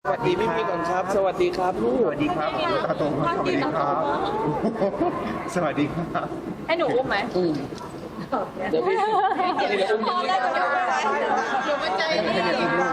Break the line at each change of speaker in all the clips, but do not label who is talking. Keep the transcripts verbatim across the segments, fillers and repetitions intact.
สวัสดีพี่พี่ก่อนครับ สวัสดีครับลูก
สวัสดีครับตาโตครับสวัสดีครับ สวัสดีครับ
ให้หนูอุ้มไหม
อืมเดี๋ยวพี่เดี๋ยวอุ้ม
พอแล้วเดี๋ยวเดี๋ยวมันใจไม่ดี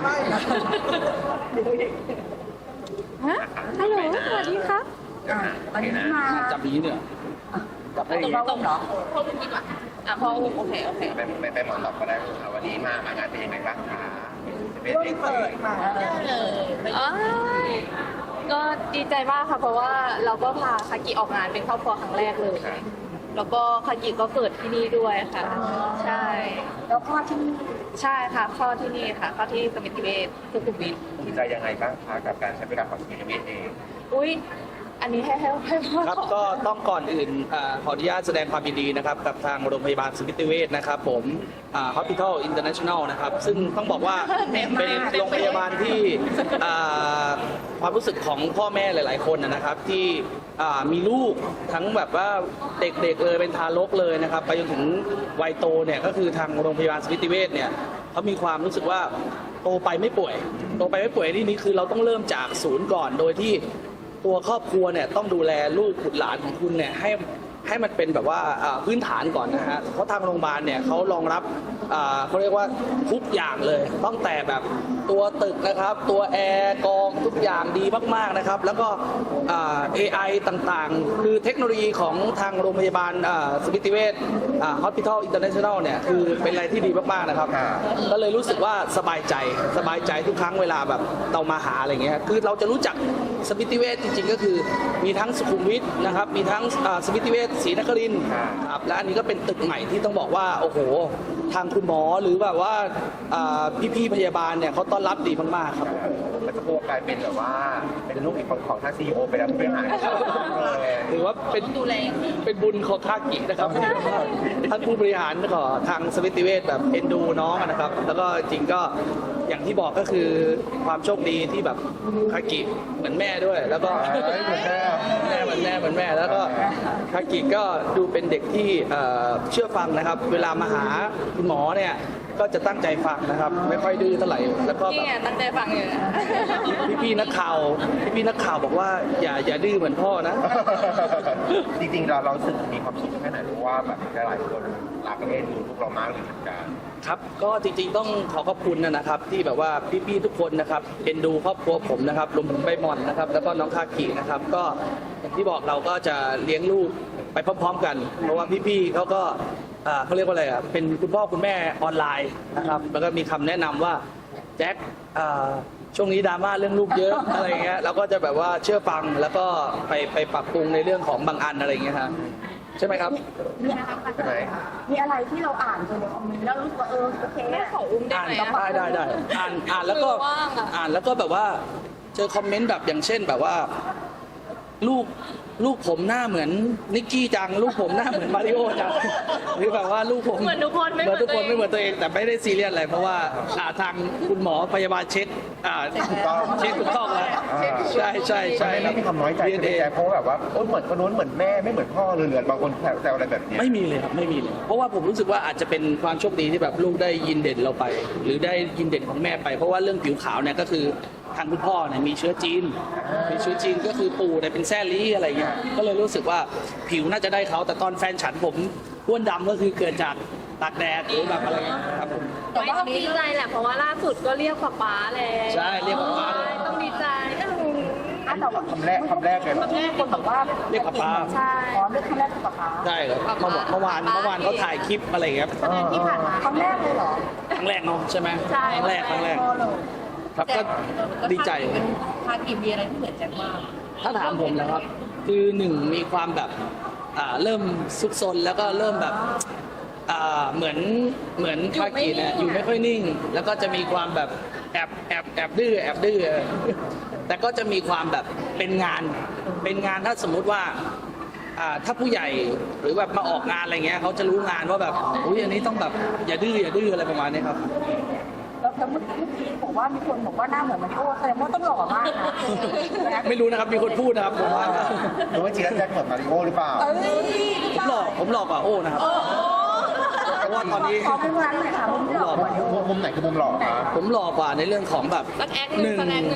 ฮะฮัลโหลสวัสดีครับ
วันนี้มา
จับนี้เนี่ยจับให้
ตรงตรงเหรอพ่ออุ้มดีกว่าอ่ะพ่ออุ้มโอเคโอเค
ไปไปไปหมอนหลับก็ได้ครับวันนี้มามางานเป็นยังไงบ้างคะเป็นเด็กเปิดมา
อ๋อก็ดีใจมากค่ะเพราะว่าเราก็พาคากิออกงานเป็นครอบครัวครั้งแรกเลย แล้วก็คากิก็เกิดที่นี่ด้วยค่ะ ใช่
แล้วคลอดที่นี่
ใช่ค่ะคลอดที่นี่ค่ะคลอดที่สมิติเวชสุขุมวิท
ภูมิใจยังไงบ้างคะกับการใช้เวลาของสมิธเวชเอง
อุ้ยอันนี้ให้ให้ให้พ่อ
ครับก็ต้องก่อนอื่นอ่าขออนุญาตแสดงความยินดีนะครับกับทางโรงพยาบาลสมิติเวชนะครับผมอ่า Hospital International นะครับซึ่งต้องบอกว่าเป็นโรงพยาบาลที่อ่าความรู้สึกของพ่อแม่หลาย ๆ คนนะนะครับที่อ่ามีลูกทั้งแบบว่าเด็กๆเลยเป็นทารกเลยนะครับไปจนถึงวัยโตเนี่ยก็คือทางโรงพยาบาลสมิติเวชเนี่ยเขามีความรู้สึกว่าโตไปไม่ป่วยโตไปไม่ป่วยที่นี้คือเราต้องเริ่มจากศูนย์ก่อนโดยที่ตัวครอบครัวเนี่ยต้องดูแลลูกบุตรหลานของคุณเนี่ยให้ให้มันเป็นแบบว่าอ่าพื้นฐานก่อนนะฮะเพราะทางโรงพยาบาลเนี่ยเขารองรับอ่าเขาเรียกว่าทุกอย่างเลยตั้งแต่แบบตัวตึกนะครับตัวแอร์กองทุกอย่างดีมากๆนะครับแล้วก็อ่า เอ ไอ ต่างๆ คือเทคโนโลยีของทางโรงพยาบาลอ่าสมิติเวชอ่า Hospital International เนี่ยคือเป็นอะไรที่ดีมากๆนะครับก็เลยรู้สึกว่าสบายใจสบายใจทุกครั้งเวลาแบบเรามาหาอะไรเงี้ยคือเราจะรู้จักสมิติเวชจริงๆก็คือมีทั้งสุขุมวิทนะครับมีทั้งอ่าสมิติเวชศรีนครินทร์ครับและอันนี้ก็เป็นตึกใหม่ที่ต้องบอกว่าโอ้โหทางคุณหมอหรือแบบว่าอ่าพี่ๆพยาบาลเนี่ยเขาต้อนรับดีมากๆครับ
มันจะโตกลายเป็นแบบว่าเป็นลูกอีกของของท่านซีอีโอไปแล้วผู้บริหาร
ถือว่าเป็นดูแลเป็นบุญของคากินะครับท่านผู้บริหารของทางสมิติเวชแบบเอ็นดูน้องนะครับ แล้วก็จริงก็อย่างที่บอกก็คือความโชคดีที่แบบคากิเหมือนแม่ด้วย แล้วก็แม่เหมือนแม่เหมือนแม่แล้วก็คากิก็ดูเป็นเด็กที่เอ่อเชื่อฟังนะครับ เวลามาหาคุณหมอเนี่ยก็จะตั้งใจฟังนะครับ ไม่ค่อยดื้อเท่าไหร่แล้วก็แบ
นี่
บ
ไงตั้งใจฟังอยู่นะ
พี่พี่ๆนักข่าวพี่พี่ๆนักข่าวบอกว่าอย่าอย่าดื้อเหมือนพ่อนะ
จริงๆเราเราสึกมีความสุขแค่ไหนเพราะว่าแบบหลายคนรักเอ็นดูลูกเรามากเลยเหมือนกัน
ครับก็จริงๆต้องขอขอบคุณนะครับ ที่แบบว่าพี่ๆทุกคนนะครับเอ็นดูครอบครัวผมนะครับรวมถึงใบหมอนนะครับ แล้วก็น้องคากินะครับ ก็อย่างที่บอกเราก็จะเลี้ยงลูกไปพร้อมๆกัน เพราะว่าพี่ๆเขาก็อ่าเขาเรียกว่าอะไรอ่ะเป็นคุณพ่อคุณแม่ออนไลน์นะครับ แล้วก็มีคำแนะนำว่าแจ็คอ่าช่วงนี้ดราม่าเรื่องลูกเยอะอะไรเงี้ยเราก็จะแบบว่าเชื่อฟังแล้วก็ไปไปปรับปรุงในเรื่องของบางอันอะไรเงี้ยครับใช่ไหมครับ
มี
ใช่ไหม
มีอะไรที่เราอ่านจนในคอมเมนต์แล้วรู้สึกว่าเออโอเค
แม่
อะ
ขออุ้มได้
อ่าน
ไหม
ได้
อะ
ได้ได้อ่านอ่านแล้วก็
คือว่างอะ
อ่านแล้วก็แบบว่าเจอคอมเมนต์แบบอย่างเช่นแบบว่า ลูกลูกผมหน้าเหมือนนิกกี้จัง ลูกผมหน้าเหมือนมาริโอจังหรือแบบว่าลูกผม
เหมือนทุกคนไม่
เหมือนทุกคน
เหมื
ไม่
อน
เห
ตัวเอง
มือนตัวเองแต่ไม่ได้ซีเรียสอะไรเพราะว่าอ่าทางคุณหมอพยาบาลเช็คอ่า
ถูกต้อง
เช็คถูกต้องแล้วใช่ใช่ใช่
ไม่มีความน้อยใจ
ดี
ในใจเพราะว่าแบบว่าโอ้เหมือนคนนู้นเหมือนแม่ไม่เหมือนพ่อเลยเหลือบางคนแซวอะไรแบบเนี้ย
ไม่มีเลยครับไม่มีเลย เพราะว่าผมรู้สึกว่าอาจจะเป็นความโชคดีที่แบบลูกได้ยินเด่นเราไป หรือได้ยินเด่นของแม่ไป เพราะว่าเรื่องผิวขาวเนี่ยก็คือทางคุณพ่อเนี่ยมีเชื้อจีนมีเชื้อจีนก็คือปู่เนี่ยเป็นแซ่ลี่อะไรเงี้ยก็เลยรู้สึกว่าผิวน่าจะได้เขาแต่ตอนแฟนฉันผมอ้วนดำก็คือเกิดจากตากแดดหรือแบบอะไรเงี้ยครับผม
แต่ว่าต้องดีใจแหละเพราะว่าล่าสุดก็เรียกป๊าป๊าแล้ว
ใช่เรียกป๊าป๊า
ใช่ต้องดีใจเออ
อ่ะแต่ว่า
คำแรกคำแรกเลยเหรอ
มีคนบอกว่า
เรียกป๊าป๊า
ใช่
อ๋อเรื่องคำแรกคือป๊าป๊า
ใช่ครับเมื่อวานเมื่อวานเมื่อวานเขาถ่ายคลิปอะไรเงี้ย
แสดงที่ผ่านมาคำแรกเลยเหรอ
ครั้งแรกเนาะใช่ไหม
ใช่
ครั้งแรกครั้งแรก
พอเลย
ครับก็ดีใจ
พากิมีอะไรที่เหมือนแจ็คมาก
ถ้าถามผมนะครับ คือหนึ่งมีความแบบอ่าเริ่มซุกซนแล้วก็เริ่มแบบอ่าเหมือนเหมือนคากิเนี่ยอยู่ไม่ค่อยนิ่ง แล้วก็จะมีความแบบแอบแอบแอบดื้อแอบดื้อแต่ก็จะมีความแบบเป็นงานเป็นงานถ้าสมมุติว่าอ่าถ้าผู้ใหญ่หรือแบบมาออกงานอะไรเงี้ยเขาจะรู้งานว่าแบบอุ้ยอันนี้ต้องแบบอย่าดื้ออย่าดื้ออะไรประมาณนี้ครับ
แล้วแล้วเมื่อกี้บอกว่ามีคนบอกว่าหน้าเหมือนมาริโอแสดงว่าต้องหล่อมากนะ
ไม่รู้นะครับมีคนพูดนะครับผมว่า
หรือว่าจริงแล้วแจ็คเหมือนมาริโอหรือเปล่า
เอ้ย
ผมหลอกผมหลอกกว่าโอ้นะครับเพราะว่าตอนนี้
ขอเป็นร้านหน่อยค่ะมุมหล่อมาริโอ
มุมมุมไหนคือมุมหล่อคะ
ผมหลอกกว่าในเรื่องของแบบ
สักแอคหนึ่งสักแอคหนึ่ง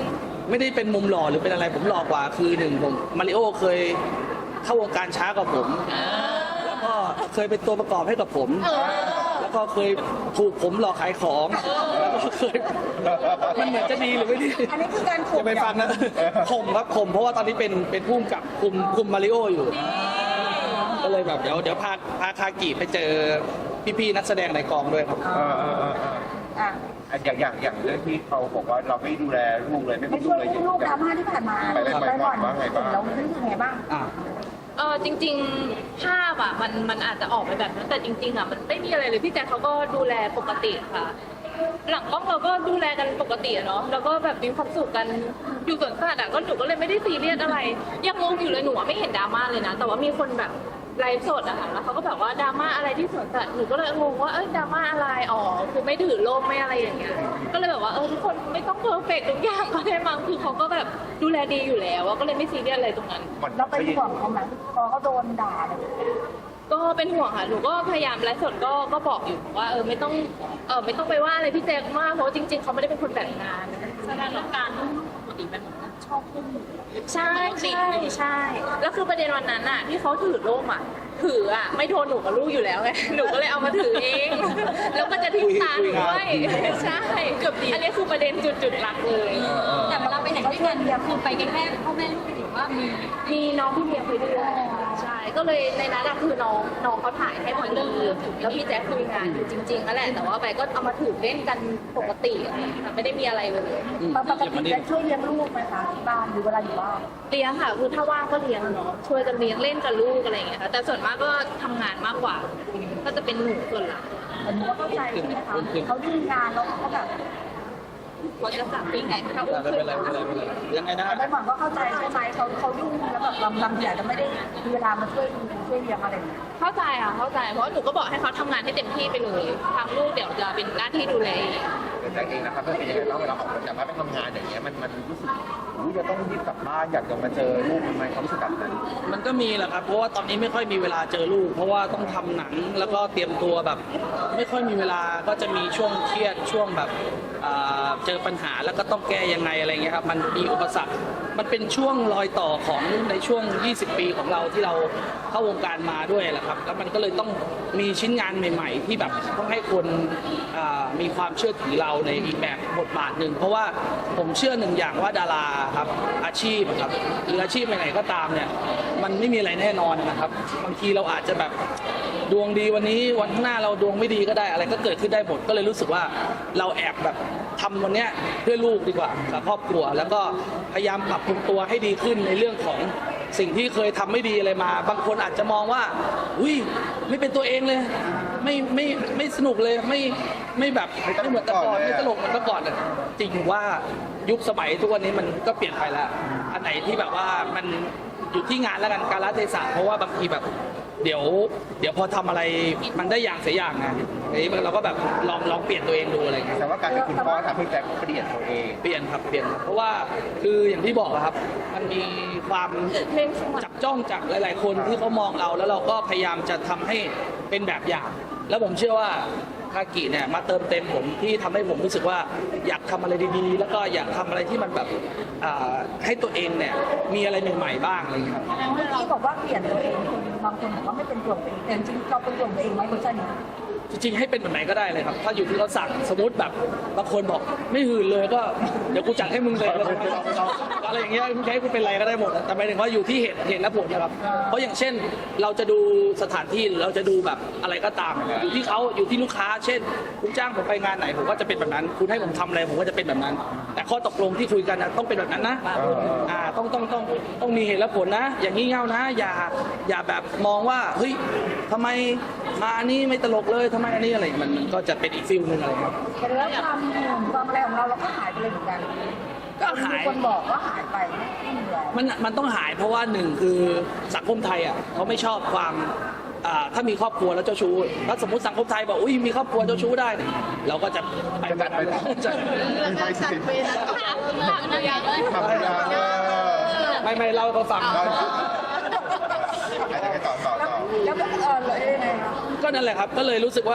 ไม่ได้เป็นมุมหล่อหรือเป็นอะไรผมหล่อกว่าคือหนึ่งผมมาริโอเคยเข้าวงการช้ากว่าผมแล้วก็เคยเป็นตัวประกอบให้กับผม แล้วก็เคยถูกผมหลอกขายของแล้วก็เคยมันเหมือนจะดีหรือไม่ดี
อันนี้คือการข่ม
จะไปฟังนะข่มครับข่มเพราะว่าตอนนี้เป็นเป็นผู้กำกับคุมคุมมาริโออยู่ ก็เลยแบบเดี๋ยวเดี๋ยวพาพาคากิไปเจอพี่ๆนักแสดงในกองด้วยครับ
เออเออเออเออ
อ่ะ
อ่ะอย่างอย่างอย่างเรื่องที่เขาบอกว่าเราไม่ดูแลลูกเลยไม่
ไม่
พูด
ช่วย
เลย
อุ้มลูกดราม่าที่ผ่านมา
ไปไปไปก่อนว่าไงบ้าง
เรารู้สึกไงบ้าง
อ่า
เออจริงๆภาพอ่ะมันมันอาจจะออกไปแบบนั้นแต่จริงๆอ่ะมันไม่มีอะไรเลยพี่แจ๊คเขาก็ดูแลปกติค่ะ หลังกล้องเราก็ดูแลกันปกติอะเนาะแล้วก็แบบมีความสุขกันอยู่สวนสัตว์อ่ะก็หนูก็เลยไม่ได้ซีเรียสอะไรยังงงอยู่เลยหนูอะไม่เห็นดราม่าเลยนะ แต่ว่ามีคนแบบไลฟ์สดอะค่ะแล้วเขาก็แบบว่าดราม่าอะไรที่สวนสัตว์หนูก็เลยงงว่าเอ้ยดราม่าอะไรอ๋อคือไม่ถือโล่มไม่อะไรอย่างเงี้ยก็เลยแบบว่าเออทุกคนไม่ต้องเพอร์เฟกต์ทุกอย่างก็ได้มั้งคือเขาก็แบบดูแลดีอยู่แล้วอะก็เลยไม่ซีเรียสอะไรตรงนั้น
มัน
เราเป็นห่วงเขาไหมพอเขาโดนด่าอะไรอย่างเงี้ย
ก็เป็นห่วงค่ะ หนูก็พยายามไลฟ์สดก็ก็บอกอยู่ว่าเออไม่ต้องเออไม่ต้องไปว่าอะไรพี่แจ๊คมากเพราะว่าจริง ๆเขาไม่ได้เป็นคนแบบงานแสดงว่าการปกติเป็นชอบขึ้นใช่ใช่ใช่แล้วคือประเด็นวันนั้นอ่ะที่เขาถือร่มอ่ะถืออ่ะไม่โทนหนูกับลูกอยู่แล้วไงหนูก็เลยเอามาถือเองแล้วก็จะทิ้งตาหนูด้วยใช่เกือบดีอันนี้คือประเด็นจุดจุดๆหลักเลย
แต่เวลาไปไหนด้วยกันเนี่ยคือไปกันแค่พ่อแม่ลูกหรือว่ามี
มีน้องพี่เมียไปด้วยใช่ก็เลยในนั้นอะคือน้องน้องเขาถ่ายให้พอดีแล้วพี่แจ๊คคุยงานอยู่จริงๆนั่นแหละแต่ว่าไปก็เอามาถือเล่นกันปกติอะไรอย่างเงี้ยค่ะไม่ได้มีอะไรเลย
ปกติจะช่วยเลี้ยงลูกไหมคะที่บ้านหรือเวลาอยู่บ้าน
เลี้ยงค่ะคือถ้าว่างก็เลี้ยงเนาะช่วยกันเลี้ยงเล่นกับลูกอะไรอย่างเงี้ยค่ะแต่ส่วนมากก็ทำงานมากกว่า ก็จะเป็นหนูส่วนหลัก
ผมก็เข้าใจใช่ไหมคะเขายุ่งงานแล้วเขาก็แบบ
เขาจะสั่งปิ้งไก่เขา
ไม่เป็นไรไม่เป็นไรไม่เป็นไรยังไงนะฮะ
ได้หวังก็เข้าใจใช่ไหมเขาเขายุ่งแล้วแบบลำลำใหญ่จะไม่ได้มีเวลามาช่วยดูช่วยเลี้ยงอะไรอย่างเงี้ย
เข้าใจค่ะเข้าใจเพราะหนูก็บอกให้เขาทำงานให้เต็มที่ไปเลยทางลูกเดี๋ยวจะเป็นหน้าที่ดูแลเอง
แต่แต่เองนะครับเป็นยังไงบ้างเวลาออกจากบ้านไปทำงานอย่างเงี้ยมันมันรู้สึกอู้จะต้องรีบกลับบ้านอยากจะมาเจอลูกมันไหมเขารู้สึกแบบนั้น
มันก็มีแหละครับเพราะว่าตอนนี้ไม่ค่อยมีเวลาเจอลูก เพราะว่าต้องทำหนังแล้วก็เตรียมตัวแบบ ไม่ค่อยมีเวลาก็จะมีช่วงเครียดช่วงแบบอ่าเจอปัญหาแล้วก็ต้องแก้ยังไงอะไรเงี้ยครับมันมีอุปสรรคมันเป็นช่วงรอยต่อของในช่วง ยี่สิบ ปีของเราที่เราเข้าวงการมาด้วยแหละครับแล้วมันก็เลยต้องมีชิ้นงานใหม่ ๆ ที่แบบต้องให้คนอ่ามีความเชื่อถือเราในอีกแบบบทบาทหนึ่งเพราะว่าผมเชื่อหนึ่งอย่างว่าดาราครับอาชีพครับหรืออาชีพไหนๆก็ตามเนี่ยมันไม่มีอะไรแน่นอนนะครับบางทีเราอาจจะแบบดวงดีวันนี้วันข้างหน้าเราดวงไม่ดีก็ได้อะไรก็เกิดขึ้นได้หมดก็เลยรู้สึกว่าเราแอบแบบทำวันเนี้ยเพื่อลูกดีกว่ากับครอบครัว แล้วก็พยายามปรับปรุงตัวให้ดีขึ้นในเรื่องของสิ่งที่เคยทำไม่ดีอะไรมา บางคนอาจจะมองว่าอุ้ยไม่เป็นตัวเองเลย ไม่ไม่ไม่สนุกเลยไม่ไม่แบบไม่เหมือนแต่ก่อนไม่ตลกเหมือนแต่ก่อนอะจริงว่ายุคสมัยทุกวันนี้มันก็เปลี่ยนไปแล้ว อันไหนที่แบบว่ามันอยู่ที่งานแล้วกันกาลเทศะเพราะว่าบางทีแบบเดี๋ยว เดี๋ยวพอทำอะไรมันได้อย่างเสียอย่างนะอันนี้เราก็แบบลองลองเปลี่ยนตัวเองดูอะไรเงี้ย
แต่ว่าการเป็นคุณพ่อทำให้แจ็คเปลี่ยนตัวเอง
เปลี่ยนครับเปลี่ยนเพราะว่าคืออย่างที่บอกอะครับ มันมีความจับจ้องจากหลาย ๆ คนที่เขามองเราแล้วเราก็พยายามจะทำให้เป็นแบบอย่าง แล้วผมเชื่อว่าคากิเนี่ยมาเติมเต็มผมที่ทำให้ผมรู้สึกว่าอยากทำอะไรดีๆ แล้วก็อยากทำอะไรที่มันแบบอ่าให้ตัวเองเนี่ยมีอะไรใหม่ๆบ้างอะไรอย่างเงี้ยครับ
เมื่อกี้บอกว่าเปลี่ยนตัวเองคนบางคนบอกว่าไม่เป็นตัวตัวเองแต่จริงๆเราเป็นตัวตัวเองไหมคุณชัน
จริงๆให้เป็นแบบไหนก็ได้เลยครับ ถ้าอยู่ที่เขาสั่งสมมติแบบบางคนบอกไม่หื่นเลยก็เดี๋ยวกูจัดให้มึงเลยอะไรอย่างเงี้ยมึงจะให้กูเป็นอะไรก็ได้หมดแต่หมายถึงว่าอยู่ที่เหตุเหตุและผลนะครับ เพราะอย่างเช่นเราจะดูสถานที่หรือเราจะดูแบบอะไรก็ตาม อยู่ที่เขาอยู่ที่ลูกค้า เช่นคุณจ้างผมไปงานไหนผมก็จะเป็นแบบนั้น คุณให้ผมทำอะไรผมก็จะเป็นแบบนั้น แต่ข้อตกลงที่คุยกันนะต้องเป็นแบบนั้นนะอ่าต้องต้องต้องต้องมีเหตุและผลนะ อย่างงี่เง่านะ อย่าอย่าแบบมองว่าเฮ้ยทำไมมาอันนี้ไม่ตลกเลยทำไมอันนี้อะไรมันมันก็จะเป็นอีกฟิลหนึงอะไรครับ
แต่แล้วความหุ่นความอะไรของเราเราก็หายไปเลยเหมือนกัน
ก็หาย
มีคนบอกว่าหายไปไม่มีแล้ว
มันมันต้องหายเพราะว่าหนึ่งคือสังคมไทยอ่ะเขาไม่ชอบความอ่าถ้ามีครอบครัวแล้วเจ้าชู้ถ้าสมมติสังคมไทยบอกอุ้ยมีครอบครัวเจ้าชู้ได้เนี่ยเราก็จะไปแบบนั้นจะ
ไม่ใช่สิ
ถามนะยังเลย
ทำไม่ได้เออ
ไม่ไม่เราก็ฟัง
ได้อะไรกันต่อต่อต่อ
แล้วก็เออเลยยังไงคะ
ก็นั่นแหละครับก็เลยรู้สึกว่า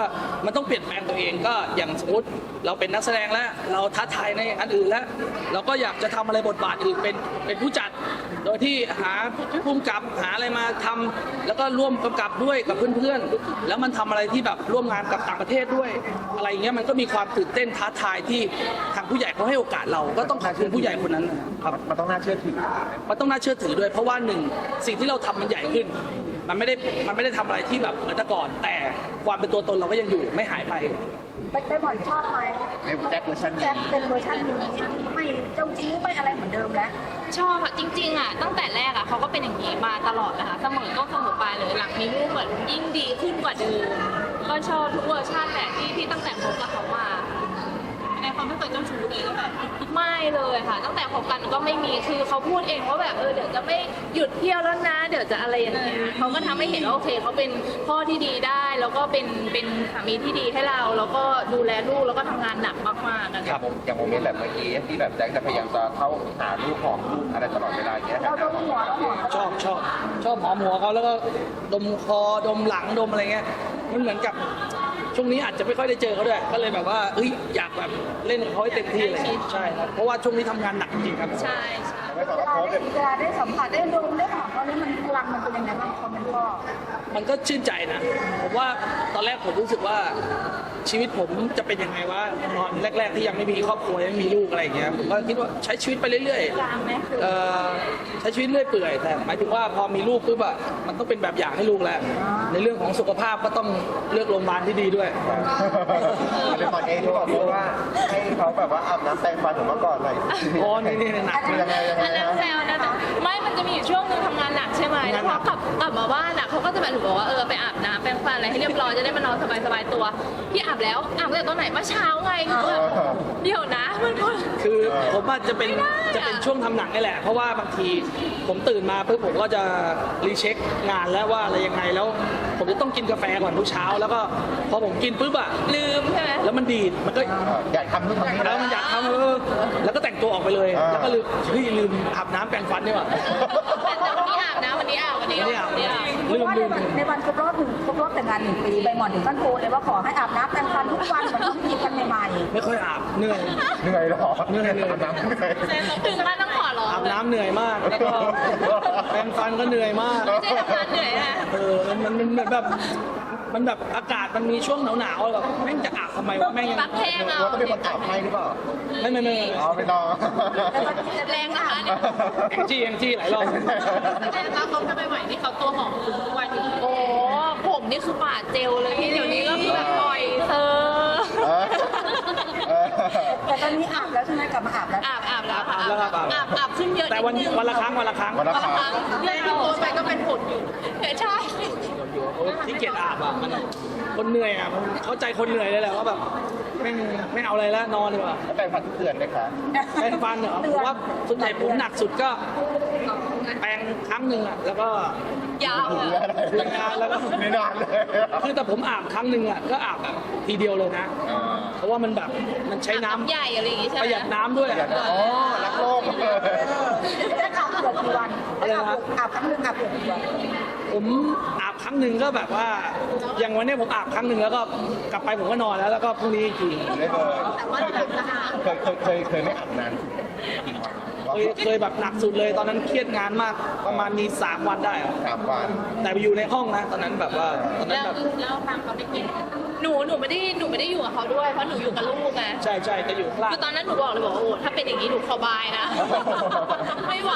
มันต้องเปลี่ยนแปลงตัวเองก็อย่างสมมติเราเป็นนักแสดงแล้วเราท้าทายในอันอื่นแล้ว เราก็อยากจะทำอะไรบทบาทอื่นเป็นเป็นผู้จัด โดยที่หาผู้กำกับหาอะไรมาทำแล้วก็ร่วมกำกับด้วยกับเพื่อนๆแล้วมันทำอะไรที่แบบร่วมงานกับต่างประเทศด้วย อะไรอย่างเงี้ยมันก็มีความตื่นเต้นท้าทายที่ทางผู้ใหญ่เขาให้โอกาสเราก็ต้องขอบคุณผู้ใหญ่คนนั้นนะครับ
มันต้องน่าเชื่อถือ
มันต้องน่าเชื่อถือด้วยเพราะว่าหนึ่งสิ่งที่เราทำมันใหญ่ขึ้น มันไม่ได้มันไม่ได้ทำอะไรที่แบบเหมือนแต่ก่อน แต่ความเป็นตัวตนเราก็ยังอยู่ไม่หายไป
ไปไปหมอนชอบไหม
ในแจ็คเวอร์ชันนี้
แจ็คเป็นเวอร์ชันนี้ไม่เจ้าจิ้งไม่อะไรเหมือนเดิมแล้ว
ชอบอะจริงๆอะตั้งแต่แรกอะเขาก็เป็นอย่างนี้มาตลอดนะคะเสมอก็เสมอปลายเลยหลังมีลูกเหมือนยิ่งดีขึ้นกว่าเดิมก็ชอบทุกเวอร์ชันแหละที่ที่ตั้งแต่คบกับเขามาในความไม่เคยเจ้าชู้เลยก็แบบไม่เลยค่ะ ตั้งแต่คบกันก็ไม่มีคือเขาพูดเองว่าแบบเออเดี๋ยวจะไม่หยุดเที่ยวแล้วนะ เดี๋ยวจะอะไรอย่างเงี้ยเขาก็ทำให้เห็นว่าโอเคเขาเป็นพ่อที่ดีได้ แล้วก็เป็นเป็นสามีที่ดีให้เรา แล้วก็ดูแลลูกแล้วก็ทำงานหนักมากๆอะ
อย่างโมอย่างโมเมนต์แบบเมื่อกี้ที่แบบแจ็คจะพยายามจะเข้าหาลูกของลูกอะไรตลอดเวลาอย่างเงี้ย
เราโดนหัวเราหัว
ชอบชอบชอบหอมหัวเขาแล้วก็ดมคอดมหลังดมอะไรเงี้ยมันเหมือนกับช่วงนี้อาจจะไม่ค่อยได้เจอเขาด้วยก็เลยแบบว่าเอ้ยอยากแบบเล่นกับเขาให้เต็มที่เลยใช่ครับเพราะว่าช่วงนี้ทำงานหนักจริงครับ
ใช่ใช่
ไม่
เว
ต้อง
ลา
โพส
ได้
ต์
เวลาได้สัมผัสได้ดมได้หอมเขานี่มันพลังมันเป็นยังไงบ้างความเป็นพ่อ
มันก็ชื่นใจนะผมว่าตอนแรกผมรู้สึกว่าชีวิตผมจะเป็นยังไงวะตอนแรก ๆ ที่ยังไม่มีครอบครัวยังไม่มีลูกอะไรอย่างเงี้ยผมก็คิดว่าใช้ชีวิตไปเรื่อย
กลางไหมคือ
ๆเอ่อใช้ชีวิตเรื่อยเปื่อยแต่หมายถึงว่าพอมีลูกปุ๊บอะมันต้องเป็นแบบอย่างให้ลูกแล้ว ในเรื่องของสุขภาพก็ต้องเลือกโรงพยาบาลที่ดีด้วย
เลยตอนเองที่บอกว่าให้เขาแบบว่าอาบน้ำแปรงฟันถึงเมื่อก่อนหน่อย
อ๋อนี่นี่หนัก
คือยังไงยังไง
อันนั้น
นะ
แซวนะไม่มันจะมีอยู่ช่วงหนึงทำงานหนักใช่ไหมแล้วพอกลับกลับมาบ้านอะเขาก็จะแบบหนูบอกว่าเออไปอาบน้ำแปรงฟันอะไรให้เรียบร้อยจะได้มานอนสบายๆตัวพี่อาบแล้วอาบตั้งแต่ตอนไหนเมื่อเช้าไงหนูแบบเดี๋ยวนะมันก็
คือผมว่าจะเป็น
ไม่ได้อะ
จะเป็นช่วงทำหนังนี่แหละ เพราะว่าบางทีผมตื่นมาปุ๊บผมก็จะรีเช็คงานแล้วว่าอะไรยังไงแล้ว ผมจะต้องกินกาแฟก่อนทุกเช้า แล้วก็พอผมกินปุ๊บอะ
ลืมใช่ไหม
แล้วมันดีดมันก็
อยากทำนู่นทำนี่
แล้วมันอยากทำเออแล้วก็แต่งตัวออกไปเลย แล้วก็ลืมเฮ้ยลืมอาบน้ำแปรงฟันนี่หว่า
แต่วันนี้อาบนะวันนี้อาบวันนี้
วันนี้อาบ
วันนี้อาบ
เพราะว่าในวันในวันครบรอบหนึ่งครบรอบแต่งงานหนึ่งปีใบหมอนถึงขั้นโทรเลยว่าขอให้อาบน้ำแต่งฟันทุกวันเหมือนที่มีกันใหม่
ไม่ค่อยอาบเหนื่อย
เหนื่อยหรอ
เหนื่อยเหนื่อย
อาบน้ำเหนื่อย
ถึงขั้นต้องขอร้อง
อาบ
เลย
น้ำเหนื่อยมาก แล้วก็แปรงฟันก็เหนื่อยมาก
ไม่ใช่ทำงานเหนื่อยนะ
เออมันมันมันเหมือนแบบมันแบบอากาศมันมีช่วงหนาวๆแบบแม่งจะอาบทำไมวะแม่งยัง
ปักแห้งเอา
ว่าต้องเป็นคนอาบให้หรือเปล่า
ไม่ไม่ไม่
อ๋อไม่ต้อง
แรงนะคะเนี่ย
แองจี้แองจี้หลายรอบ
แรงนะเขาจะไม่ไหวนี่เขาตัวหอมถึงทุกวันนี้โอ้ผมนี่คือปาดเจลเลยที่เดี๋ยวนี้ก็คือแบบปล่อยเซอร์
เออเออ
ๆแต่ตอนนี้อาบแล้วใช่ไหมกลับมาอาบแล้ว
อาบอาบแล้วค่ะ
แล้วครับอาบ
อาบอาบขึ้นเยอะ
แต่วัน
ดง
วันละครั้งวันละครั้ง
วันละ
วัน
ค
ละ
รั้ง
ครั้งเรื่องที่โพสต์ไปก็เป็นผลอยู่ใช่
ที่เกียจอาบอ่ะมันคนเหนื่อยอ่ะมันเข้าใจคนเหนื่อยเลยแหละว่าแบบไม่งไม่เอาอะไรแล้วนอนดีกว่า
แล้วแปรงฟันทุกเดือนไหมคะ
แปรงฟันเหรอผมว่าส่วนใหญ่ผมหนักสุดก็แปรงครั้งหนึ่งอ่ะแล้วก็
ยาวเลย
ทำงานแล้วก็
ไม่นานเลย
คือแต่ผมอาบครั้งหนึ่งอ่ะก็อาบแบบทีเดียวเลยนะ
อ่า
เพราะว่ามันแบบมันใช้น้ำ
ใหญ่อะไรอย่างงี้ใช่ไห
ป
ม
ระหยัดน้ำด้วย
อยากจะอ๋อรักโลก
จะอาบเกือบกี่วัน
อะไรนะ
อาบครั้งหนึงอาบเกือบกี่วัน
ผมอาบครั้งหนึ่งก็แบบว่า อย่างวันเนี้ยผมอาบครั้งหนึ่งแล้วก็กลับไปผมก็นอนแล้วแล้วก็พรุ่งนี้อีกที
ได้เลย
แต่ว่าหลังสะอาด
เคยเคยเคยเคยไม่อาบนานกี่วัน
เคยเคยแบบหนักสุดเลย ตอนนั้นเครียดงานมากประมาณมีสามวันได้อะ
สามวัน
แต่ไปอยู่ในห้องนะ ตอนนั้นแบบว่าตอนนั้น
แล้ว
แบบ
แล้วทางเขาไม่กินหนูหนูไม่ได้หนูไม่ได้อยู่กับเขาด้วยเพราะหนูอยู่กับลูกไง
ใช่ใช่จะอยู่ข้างล่าง
คือตอนนั้นหนูบอกเลยบอกว่าโอ้ถ้าเป็นอย่างนี้หนูสบายนะ ไม่ไหว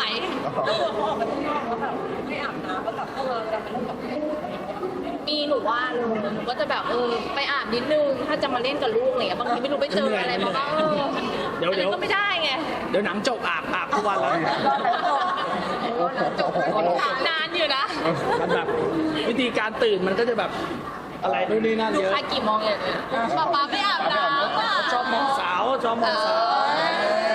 ไม่อาบน้ำก็แบบเออจะเป็นแบบ
มีหนูว่าเลยหนูก็จะแบบเออไปอาบนิดนึงถ้าจะมาเล่นกับลูกอะไรเนี่ยบางทีไม่รู้ไปเจออะไรมาบ้างเอออันนั้นก็ไม่ได้ไง
เดี๋ยวหนังจบอาบอาบทุกวันแล้ว
จบนานอยู่นะ
มันแบบวิธีการตื่นมันก็จะแบบอะไรนู่นนี่นั่น
ลูก
เยอะ
ค้ากี่โมงอย่างเงี้ยป๊าป๊าไม่อาบน้ำอ่ะ
ชอบมองสาวชอบมองสาว